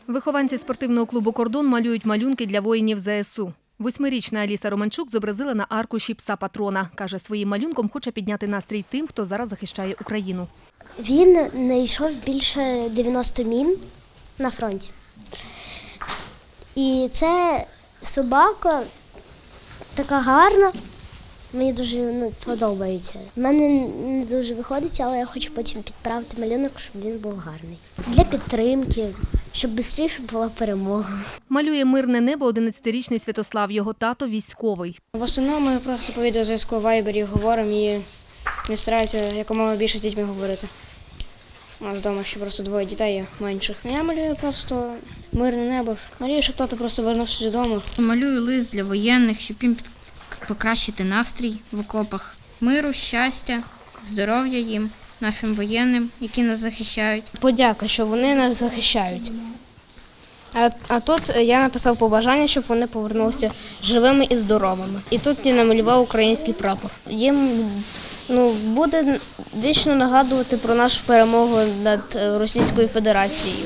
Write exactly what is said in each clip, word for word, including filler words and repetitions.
Вихованці спортивного клубу «Кордон» малюють малюнки для воїнів зе ес у. Восьмирічна Аліса Романчук зобразила на аркуші пса-патрона. Каже, своїм малюнком хоче підняти настрій тим, хто зараз захищає Україну. Він знайшов більше дев'яноста мін на фронті. І це собака така гарна, мені дуже ну, подобається. У мене не дуже виходить, але я хочу потім підправити малюнок, щоб він був гарний. Для підтримки, щоб швидше була перемога. Малює мирне небо одинадцятирічний Святослав. Його тато – військовий. В основному ми просто по відеозв'язку в Вайбері говоримо і не стараюся якомога більше з дітьми говорити. У нас вдома ще просто двоє дітей менших. Я малюю просто мирне небо. Малюю, щоб тато просто повернувся додому. Малюю лист для воєнних, щоб їм покращити настрій в окопах. Миру, щастя, здоров'я їм, нашим воєнним, які нас захищають. Подяка, що вони нас захищають. А, а тут я написав побажання, щоб вони повернулися живими і здоровими. І тут я намалював український прапор. Їм ну, буде вічно нагадувати про нашу перемогу над Російською Федерацією.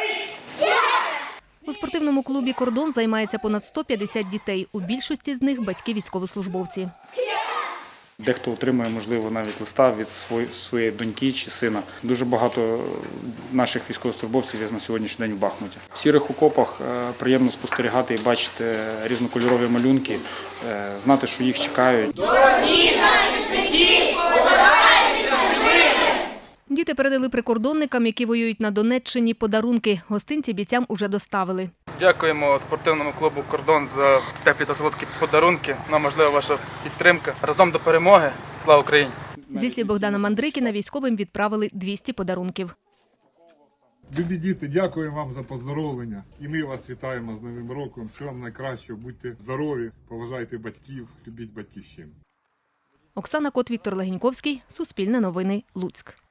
У спортивному клубі «Кордон» займається понад сто п'ятдесят дітей. У більшості з них – батьки-військовослужбовці. Дехто отримує, можливо, навіть листа від своєї доньки чи сина. Дуже багато наших військовослужбовців є на сьогоднішній день в Бахмуті. В сірих окопах приємно спостерігати і бачити різнокольорові малюнки, знати, що їх чекають. Дорогі захисники, повертайтеся живими! Діти передали прикордонникам, які воюють на Донеччині, подарунки. Гостинці бійцям уже доставили. Дякуємо спортивному клубу «Кордон» за теплі та солодкі подарунки. Нам важлива ваша підтримка. Разом до перемоги. Слава Україні! Зі слів Богдана Мандрикіна, військовим відправили двісті подарунків. Любі діти, дякуємо вам за поздоровлення. І ми вас вітаємо з Новим роком. Всього вам найкращого, будьте здорові, поважайте батьків, любіть батьківщину. Оксана Кот, Віктор Легеньковський, Суспільне новини, Луцьк.